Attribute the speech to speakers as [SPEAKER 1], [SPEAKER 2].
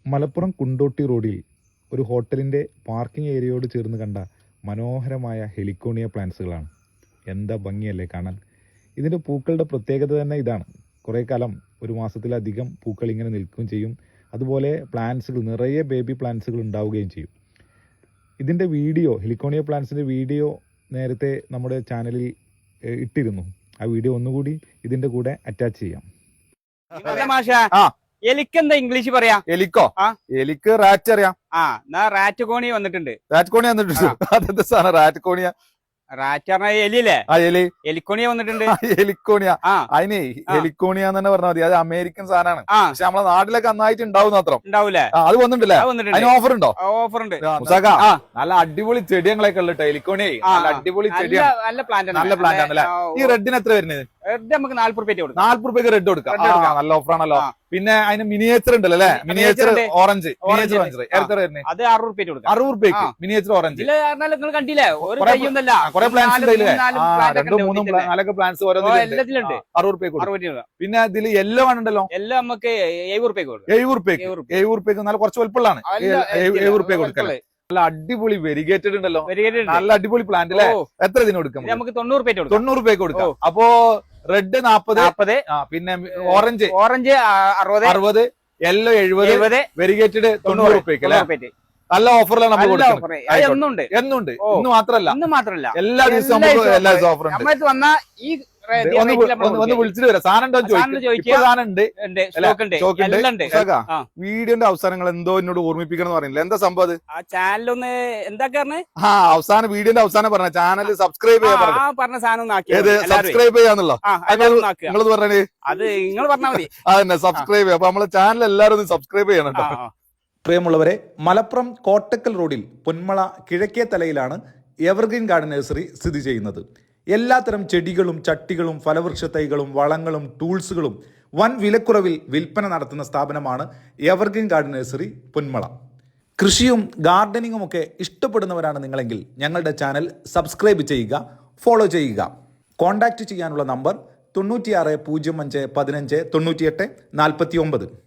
[SPEAKER 1] മലപ്പുറം കുണ്ടോട്ടി റോഡിൽ ഒരു ഹോട്ടലിൻ്റെ പാർക്കിംഗ് ഏരിയയോട് ചേർന്ന് കണ്ട മനോഹരമായ ഹെലിക്കോണിയ പ്ലാന്റ്സുകളാണ്. എന്താ ഭംഗിയല്ലേ കാണാൻ. ഇതിൻ്റെ പൂക്കളുടെ പ്രത്യേകത തന്നെ ഇതാണ്. കുറേ കാലം, ഒരു മാസത്തിലധികം പൂക്കൾ ഇങ്ങനെ നിൽക്കുകയും ചെയ്യും. അതുപോലെ പ്ലാന്റ്സുകൾ, നിറയെ ബേബി പ്ലാന്റ്സുകൾ ഉണ്ടാവുകയും ചെയ്യും. ഇതിൻ്റെ വീഡിയോ, ഹെലിക്കോണിയ പ്ലാന്റ്സിൻ്റെ വീഡിയോ നേരത്തെ നമ്മുടെ ചാനലിൽ ഇട്ടിരുന്നു. ആ വീഡിയോ ഒന്നുകൂടി ഇതിൻ്റെ കൂടെ അറ്റാച്ച് ചെയ്യാം.
[SPEAKER 2] എലിക്കെന്താ ഇംഗ്ലീഷ് പറയാ?
[SPEAKER 3] എലിക്കോ? എലിക്ക് റാറ്റ് അറിയാം.
[SPEAKER 2] റാറ്റ് കോണി വന്നിട്ടുണ്ട്.
[SPEAKER 3] റാറ്റ് കോണി വന്നിട്ടുണ്ട്. അതെന്താ സാധനം റാറ്റ് കോണിയ?
[SPEAKER 2] റാറ്റ് പറഞ്ഞ എലിയല്ലേ?
[SPEAKER 3] എലി
[SPEAKER 2] എലിക്കോണിയ വന്നിട്ടുണ്ട്.
[SPEAKER 3] എലിക്കോണിയ. അതിനെ എലിക്കോണിയ എന്ന് തന്നെ പറഞ്ഞാൽ മതി. അത് അമേരിക്കൻ സാധനമാണ്. പക്ഷെ നമ്മളെ നാട്ടിലൊക്കെ നന്നായിട്ട് ഉണ്ടാവും മാത്രം.
[SPEAKER 2] ഉണ്ടാവൂലേ?
[SPEAKER 3] അത് വന്നിട്ടില്ലേ? അതിന് ഓഫർ ഉണ്ടോ?
[SPEAKER 2] ഓഫർ ഉണ്ട്.
[SPEAKER 3] നല്ല അടിപൊളി ചെടികളൊക്കെ ഉള്ള എലിക്കോണിയ. നല്ല അടിപൊളി ചെടിയാണ്.
[SPEAKER 2] നല്ല പ്ലാന്റ്,
[SPEAKER 3] നല്ല പ്ലാന്റ് ആണല്ലേ? ഈ റെഡിന് എത്ര വരുന്നത്?
[SPEAKER 2] റെഡ് നമുക്ക് 40 രൂപ കൊടുക്കാം.
[SPEAKER 3] 40 രൂപയ്ക്ക് റെഡ് കൊടുക്കാം. നല്ല ഓഫറാണല്ലോ. പിന്നെ അതിന് മിനിയേച്ചർ ഉണ്ടല്ലോ അല്ലെ? Miniature orange. മിനിയേച്ചർ ഓറഞ്ച് എത്ര വരുന്നത്?
[SPEAKER 2] അത് 60 രൂപ കൊടുക്കാം.
[SPEAKER 3] 60 രൂപയ്ക്ക് മിനിയേച്ചർ ഓറഞ്ച്.
[SPEAKER 2] നിങ്ങൾ കണ്ടില്ലേ?
[SPEAKER 3] കുറെ പ്ലാന്റ്സ് രണ്ടും മൂന്നും നാലൊക്കെ പ്ലാന്റ്സ്
[SPEAKER 2] എല്ലാത്തിലുണ്ട്.
[SPEAKER 3] 60 രൂപയ്ക്ക്. പിന്നെ ഇതിൽ യെല്ലോ ആണുണ്ടല്ലോ.
[SPEAKER 2] എല്ലാം നമുക്ക് 70 രൂപയ്ക്ക് കൊടുക്കും.
[SPEAKER 3] 70 രൂപയ്ക്ക് നല്ല കുറച്ച് വലുപ്പമുള്ളതാണ്. 70 രൂപയ്ക്ക് കൊടുക്കാം. നല്ല അടിപൊളി വെരിഗേറ്റഡ് ഉണ്ടല്ലോ. നല്ല അടിപൊളി പ്ലാന്റ് അല്ലേ? എത്ര ഇതിന് കൊടുക്കാം?
[SPEAKER 2] നമുക്ക് 90 രൂപ
[SPEAKER 3] 90 രൂപയ്ക്ക് കൊടുക്കാം. അപ്പോ റെഡ് 40, പിന്നെ ഓറഞ്ച് 60, യെല്ലോ 70, വെരിഗേറ്റഡ് 90 രൂപയ്ക്ക് അല്ലേ? നല്ല ഓഫറിലാണ് നമ്മൾ കൊടുക്കുന്നത്. എന്നുണ്ട്. ഇന്ന് മാത്രല്ല, എല്ലാ ദിവസവും എല്ലാ ദിവസവും ഓഫർ ഉണ്ട്. ഒന്ന് വിളിച്ചിട്ട് വരാം. സാധനം വീഡിയോന്റെ അവസാനങ്ങൾ എന്തോ എന്നോട് ഓർമ്മിപ്പിക്കണം എന്ന് പറയുന്നില്ല. എന്താ സംഭവം? അത്
[SPEAKER 2] ആ ചാനലൊന്ന് എന്താ
[SPEAKER 3] അവസാനം വീഡിയോന്റെ അവസാനം പറഞ്ഞ ചാനൽ സബ്സ്ക്രൈബ് ചെയ്യാൻ
[SPEAKER 2] പറഞ്ഞ സാധനം
[SPEAKER 3] സബ്സ്ക്രൈബ് ചെയ്യാന്നുള്ളോ? നിങ്ങളത് പറഞ്ഞേ.
[SPEAKER 2] അത് നിങ്ങൾ പറഞ്ഞാൽ മതി.
[SPEAKER 3] അതന്നെ, സബ്സ്ക്രൈബ് ചെയ്യാം. അപ്പൊ നമ്മളെ ചാനൽ എല്ലാവരും ഒന്ന് സബ്സ്ക്രൈബ് ചെയ്യണം കേട്ടോ.
[SPEAKER 1] പ്രിയമുള്ളവരെ, മലപ്പുറം കോട്ടക്കൽ റോഡിൽ പൊന്മള കിഴക്കേ തലയിലാണ് എവർഗ്രീൻ ഗാർഡൻ നഴ്സറി സ്ഥിതി ചെയ്യുന്നത്. എല്ലാത്തരം ചെടികളും ചട്ടികളും ഫലവൃക്ഷ തൈകളും വളങ്ങളും ടൂൾസുകളും വൻ വിലക്കുറവിൽ വിൽപ്പന നടത്തുന്ന സ്ഥാപനമാണ് എവർഗ്രീൻ ഗാർഡൻ നഴ്സറി പൊന്മള. കൃഷിയും ഗാർഡനിങ്ങും ഒക്കെ ഇഷ്ടപ്പെടുന്നവരാണ് നിങ്ങളെങ്കിൽ ഞങ്ങളുടെ ചാനൽ സബ്സ്ക്രൈബ് ചെയ്യുക, ഫോളോ ചെയ്യുക. കോൺടാക്റ്റ് ചെയ്യാനുള്ള നമ്പർ 96 05 15 98 49.